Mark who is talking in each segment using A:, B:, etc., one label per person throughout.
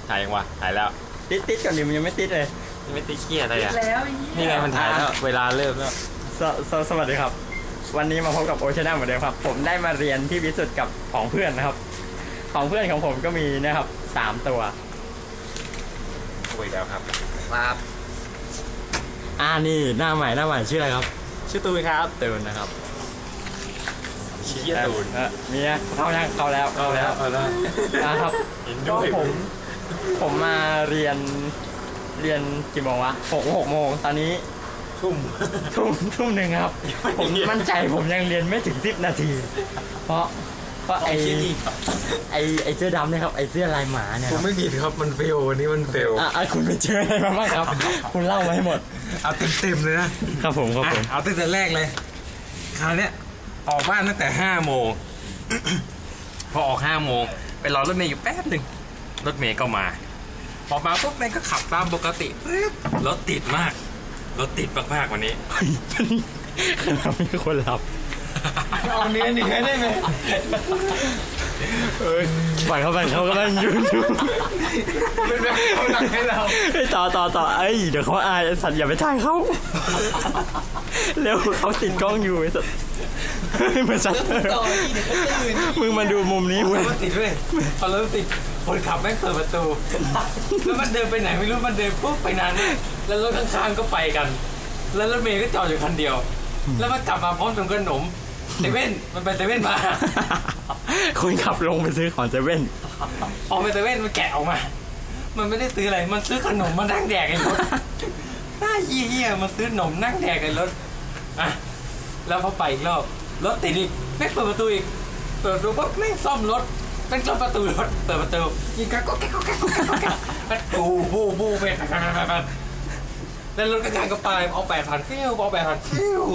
A: ถ่ายยังวะถ่ายแล้ว
B: ติดก่อนดิมันยังไม่ติดเลย
A: ไม่ติดเกียอะไรอ่ะ
C: แล้ว
A: นี่ไงมันถ่ายแล้วเวลาเริ่มแล้ว
B: สวัสดีครับวันนี้มาพบกับโอชาแนลเหมือนเดิมครับผมได้มาเรียนที่วิสุทธ์กับของเพื่อนนะครับของเพื่อนของผมก็มีนะครับ3 ตัว
A: คุยแล้วครับ
C: ครับ
B: นี่หน้าใหม่ชื่ออะไรครับ
A: ชื่อตูนครับ
B: ตูนนะครับ
A: ชี้ตูน
B: มีนะเข้าแล้ว
A: เอาแล้ว
B: นะครับ
A: เห็น
B: ก็
A: ด้วย
B: ผมมาเรียนกี่โมงวะ6 โมงตอนนี้
A: ทุ่ม
B: ทุ่มหนึ่งครับผมมั่นใจผมยังเรียนไม่ถึง10 นาที เพราะไอเสื้อดำเนี่ยครับไอเสื้อลายหมาเนี่ย
A: ผมไม่ผิดครับมันเฟลวันนี้มันเฟล
B: คุณไปเจออะไรมาบ้างครับ คุณเล่ามาให้หมด
A: เอาเต็มเลยนะครับ
B: ผม
A: เอาตั้งแต่แรกเลยคราวเนี้ยออกบ้านตั้งแต่5 โมง พอออก5 โมงไปรอรถเมย์อยู่แป๊บหนึ่งรถเมย์ก็มาพอมาปุ๊บแม่งก็ขับตามปกติปึ๊บรถติดมากวันนี้
B: เรามีคนหลับ
A: เอาเนื้อได้ไหม
B: ปั่นเขาก็มันยืนอยู่
A: เป็นแบบเขาหนักให้เรา
B: ต่อเดี๋ยวเขาอายไอ้สัตว์อย่าไปถ่ายเขาเร็วเขาติดกล้องอยู่ไอ้สัตว์เหมือนสัตว์มึงมาดูมุมนี้
A: รถติดด้วยพอรถติดคนขับแม่งเปิดประตูแล้วมันเดินไปไหนไม่รู้มันเดินปุ๊บไปนานแล้วรถข้างๆก็ไปกันแล้วรถเมย์ก็จอดอยู่คันเดียวแล้วมันกลับมาพร้อมกับขนมเซเว่นมันไปเซเว่นมา
B: คนขับลงไปซื้อของเซเว่น
A: ออกไปเซเว่นมันแกะออกมา มันไม่ได้ซื้ออะไรมันซื้อขนมมานั่งแดกไอ้รถน่าเหี้ยมันซื้อขนมนั่งแดกไอ้รถอ่ะแล้วพอไปอีกรอบรถติดอีกไม่เปิดประตูอีกเปิดประตูปุ๊บไม่ซ่อมรถเป็นซ่อมประตูรถเปิดประตูยิงกันก็แก๊กบูเป็นแล้วรถกระจายก็ไปเอา8,000ฟิวเอา8,000ฟิว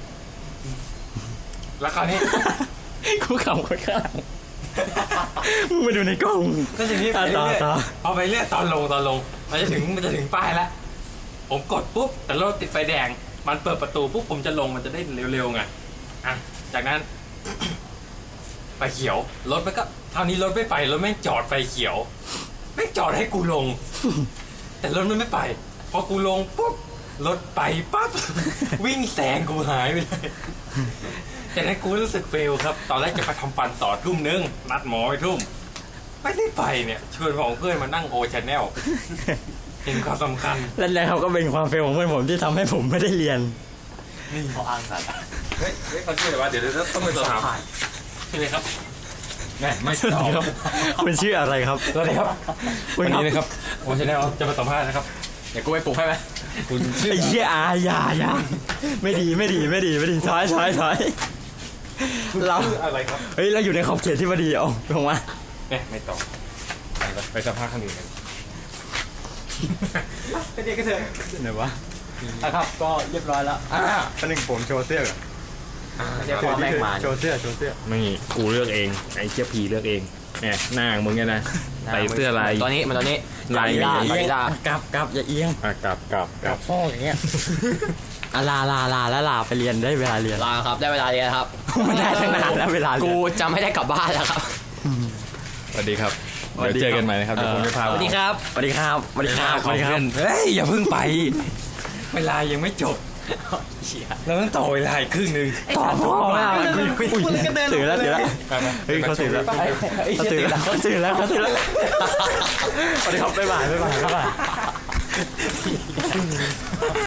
A: แล้วคราวนี้
B: กูขำคนข้างหลังมึงมาดูในกล้อง
A: ก็อย่างนี้ไปเรื่อยเอาไปเรื่อยตอนลงมันจะถึงป้ายแล้วผมกดปุ๊บแต่รถติดไฟแดงมันเปิดประตูปุ๊บผมจะลงมันจะได้เร็วๆไงอ่ะจากนั้น ไฟเขียวรถมันก็เท่านี้รถไม่ไปรถแม่งจอดไฟเขียวแม่งจอดให้กูลง แต่รถมันไม่ไปพอกูลงปุ๊บรถไปปั๊บ วิ่งแซงกูหายไปเลยจากนั้นกูรู้สึกเฟลครับตอนแรกจะไปทำฟันต่อทุ่มนึงนัดหมอไปทุ่มไม่ได้ไปเนี่ยชวนของเพื่อนมานั่งโอชาแนลเห็นความสำคัญ
B: แล้วเขาก็เป็นความเฟลของเพื่อนผมที่ทำให้ผมไม่ได้เรียน
A: นี่เขาอ้างสัตว์เฮ้ยเขาชื่ออะไรวะเดี๋ยวต้องไปสอบถามชื่ออะไรครับแม่ไม่ตอบครับ
B: คุณชื่ออะไรครับ
A: สวัสดีครับวันนี้นะครับโอชาแนลจะมาสัมภาษณ์นะครับเดี๋ยวกูไปปลุกให้ไหมคุณชื่อ
B: ไอ้เหี้ยอย่าไม่ดีถอยเรา
A: อะไรครับ
B: เฮ้ยเราอยู่ในขอบเขตที่พอดีเอาลงมา
A: เนี่ยไม่ตอบไปสัมภาษณ์ข้างอื่นกันไปเด็กกันเถอะ
B: ไหนวะครับก็เรียบร้อยแล้วตอนนึงผมโชว์เสื้อก่อน
A: เดี๋ยวพอแม่งมา
B: โชว์เสื้อ
A: ไม่กูเลือกเองไอ้เจี๊ยบผีเลือกเองเนี่ยหน้ามึงเนี่ยนะใส่เสื้อลายมันตอนนี้ลาย
B: กลับอย่าเอียง
A: กลับ
B: พ่ออย่างเงี้ยลาไปเรียนได้เวลาเรียน
C: ลาครับได้เวลาเรียนครับ
B: ไม่ได้ตั้งนานแล้วเวลากู
C: จะไม่ได้กลับบ้านแล้วครับ
A: สวัสดีครับเดี๋ยวเจอกันใหม่นะครับเดี๋ยวผมจะพา
C: สวัสดีครับ
B: เฮ้ยอย่าเพิ่งไป
A: เวลายังไม่จบเราต้องต่อเวลาอีกครึ่งนึง
B: ต่อพ่อมากตื่นแล้วเฮ้ยเขาตื่นแล้วสวัสดีครับบ๊ายบาย